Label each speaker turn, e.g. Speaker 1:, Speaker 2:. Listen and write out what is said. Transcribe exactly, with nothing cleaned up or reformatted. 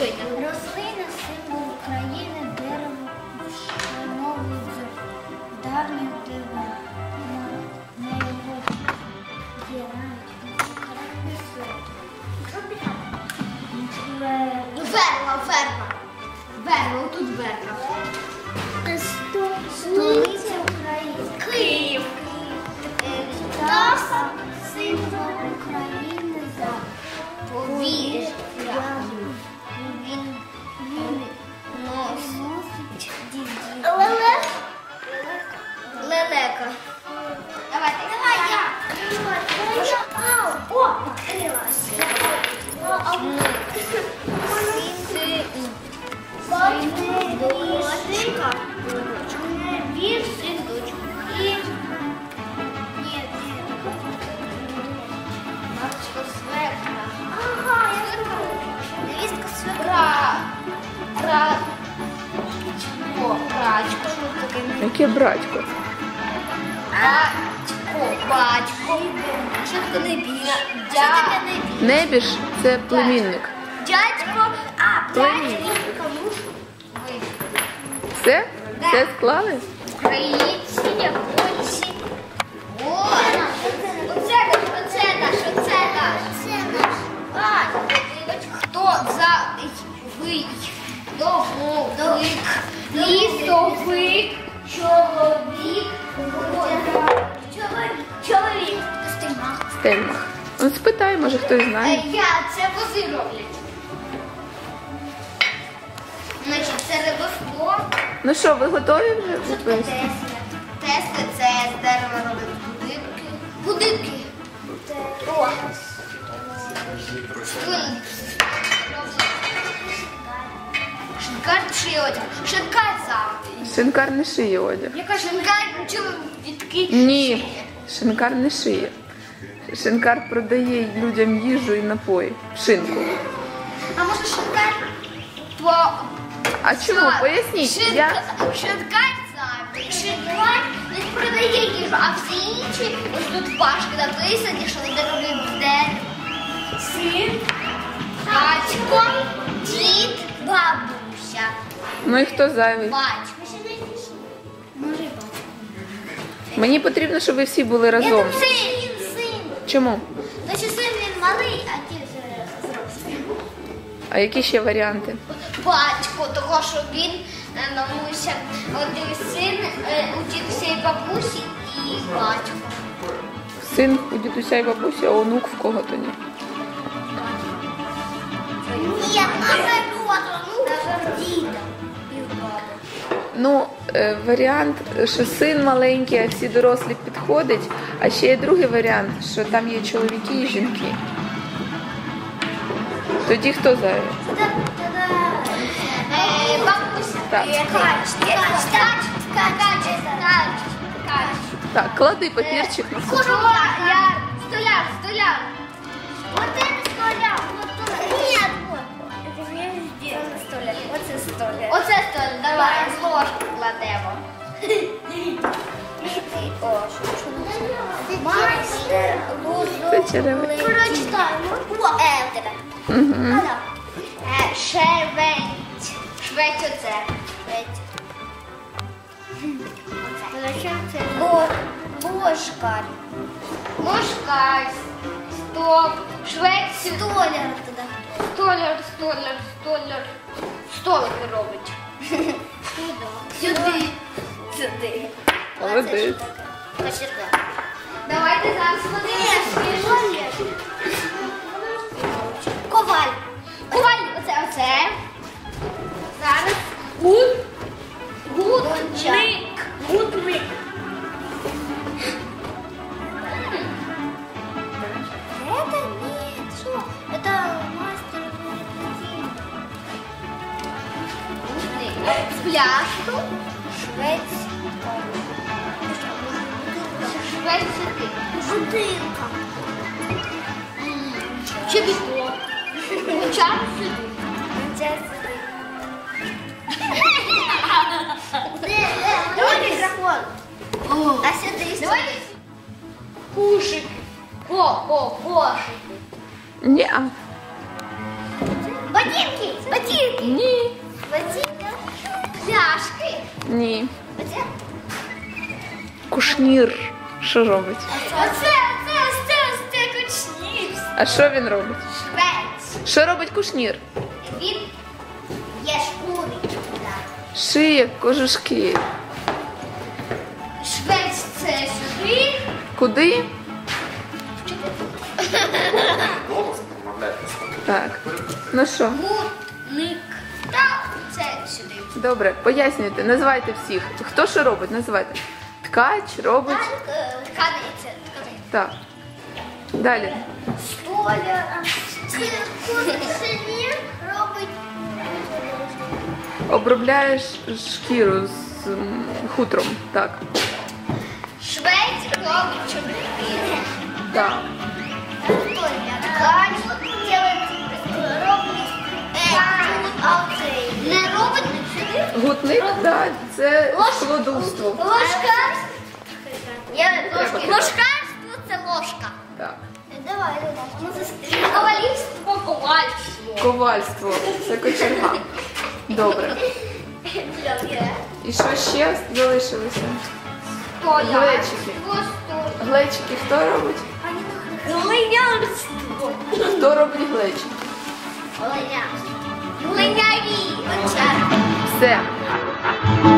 Speaker 1: Що йде?
Speaker 2: Рослина, символ України, дерево, вшановують за давніх дивин. На його дірають.
Speaker 1: Верба, верба. Верба, отут верба.
Speaker 2: Столиця України.
Speaker 1: Київ.
Speaker 2: Птаха, символ України за
Speaker 1: Повір.
Speaker 2: Він носить дідів.
Speaker 1: Лелека. Лелека. Давайте. Давай я.
Speaker 2: О, покрилася.
Speaker 1: Дочка.
Speaker 2: Вір, син, дочка. І... Ні,
Speaker 1: Матушка свекра.
Speaker 2: ага, я знаю. Невістка свекра.
Speaker 1: Бра. Бра. О, брачко. Що таке?
Speaker 3: Яке братько?
Speaker 1: Батько. Батько. Що таке небіж?
Speaker 2: Що таке небіж?
Speaker 3: Небіж – це племінник.
Speaker 1: Дядько. А,
Speaker 3: Племінник.
Speaker 1: дядько.
Speaker 3: Все? Все склали?
Speaker 1: Українці, японці. О, оце наш, оце наш, оце наш.
Speaker 2: Це наш.
Speaker 1: А, хто за ви? Довговик, лісовик, чоловік, чоловік, чоловік.
Speaker 2: Стельмах.
Speaker 3: Стельмах. Ну, спитай, може хтось
Speaker 1: Е,
Speaker 3: знає.
Speaker 1: Я, це вози роблять. Значить, це рибослов.
Speaker 3: Ну що, ви готові вже
Speaker 1: Що таке
Speaker 3: відповісти?
Speaker 1: Тесли? Тесли це з дерева роблять будинки. Будинки. О. Столик. Шинкар чи одяг? Шинкар завжди.
Speaker 3: Шинкар не шиє одяг.
Speaker 1: Яка шинкар чоловік?
Speaker 3: Ні, шинкар не шиє. Шинкар продає людям їжу і напої. Шинку.
Speaker 1: А може шинкар? По...
Speaker 3: А чому? Поясніть.
Speaker 1: Шинка...
Speaker 3: Я...
Speaker 1: Шинкар завжди. Шинкар не продає їжу, а всі інші, ось тут пашки написані, що вони роблять з дерева. Син, батько, дід, бабуся.
Speaker 3: Ну і хто зайвий?
Speaker 1: Батько.
Speaker 2: Може, і батько.
Speaker 3: Мені потрібно, щоб ви всі були разом.
Speaker 2: Син, син.
Speaker 3: Чому?
Speaker 2: Значить, син він малий, а ті вже зрослі.
Speaker 3: А які ще варіанти?
Speaker 1: Батько, того, що він е, мамуся, один син, е, у дідуся і бабусі і батько.
Speaker 3: Син у дідуся і бабусі, а онук в кого-то ні.
Speaker 2: Ні, наоборот, ну, діда. І в баби.
Speaker 3: Ну, е, варіант, що син маленький, а всі дорослі підходять. А ще є другий варіант, що там є чоловіки і жінки. Тоді хто зайвий?
Speaker 1: Е, бабуся.
Speaker 3: Так.
Speaker 1: Е, Кач, кач, кач, кач, кач, кач.
Speaker 3: Так, клади папірчик на стол.
Speaker 1: Столяр, столяр, столяр.
Speaker 2: Вот это столяр, вот это. Нет, вот. Это не сделано столяр. Вот это столяр.
Speaker 1: Оце столяр, давай, з ложки кладемо.
Speaker 2: О, що це? Майстер
Speaker 3: Це черевик.
Speaker 2: Прочитаємо. О, е, у тебе.
Speaker 3: Угу.
Speaker 2: Ада.
Speaker 1: Е, Шевець. Швець оце.
Speaker 2: Швець. Бо, бошкар.
Speaker 1: Ложка, стоп, швець,
Speaker 2: Столяр туди.
Speaker 1: столяр, столяр, столяр. Столики робить.
Speaker 2: Сюди. Сюди.
Speaker 3: Молодець.
Speaker 2: Кочерга.
Speaker 1: Давайте зараз подивимося.
Speaker 2: Коваль.
Speaker 1: Коваль, оце, оце. Зараз. Гуд. Гудник. Гудник.
Speaker 2: Это нет. Что? Это мастер.
Speaker 1: Гудник. Пляшку.
Speaker 2: Швець.
Speaker 1: Швець сюди.
Speaker 2: Бутилка.
Speaker 1: Чобіток. Чар сюди.
Speaker 2: Давай микрофон. А сюди.
Speaker 1: Давай. Кушик. Ко, ко, кошик.
Speaker 3: Ні.
Speaker 2: Ботинки. Ботинки.
Speaker 1: Вазі.
Speaker 3: Ні.
Speaker 1: Вазі. Пляшки.
Speaker 3: Ні.
Speaker 1: Оце.
Speaker 3: Кушнір. Що робить?
Speaker 1: Оце, оце, оце, оце кучнір.
Speaker 3: А що він робить?
Speaker 1: Швець.
Speaker 3: Що робить кушнір?
Speaker 1: Він є шкури.
Speaker 3: Шиє кожушки.
Speaker 1: Швець це сюди.
Speaker 3: Куди? Так. Ну що?
Speaker 1: Гутник. Так, це сюди.
Speaker 3: Добре, пояснюйте, називайте всіх. Хто що робить? Називайте. Ткач робить.
Speaker 1: Тканиця.
Speaker 3: Так. Далі.
Speaker 1: Столяр. Кушнір робить.
Speaker 3: Обробляєш шкіру з м, хутром. Так.
Speaker 1: Швець робить чобітки.
Speaker 3: Так.
Speaker 1: Ткач делает робить. А цей не робить сюди.
Speaker 3: Гутник, так, це
Speaker 1: Ложка.
Speaker 3: складовство.
Speaker 1: Ложка. Я
Speaker 3: Треба
Speaker 1: ложки.
Speaker 3: кидати.
Speaker 1: Ложкарство це ложка.
Speaker 3: Так.
Speaker 1: Давай, давай. Ковалівство, ковальство.
Speaker 3: Ковальство. Це кочерга. Добре. І що ще залишилося? Глечики. Глечики хто робить?
Speaker 1: Глинярство.
Speaker 3: Хто робить глечики?
Speaker 1: Глинярство. Глинярі.
Speaker 3: Все.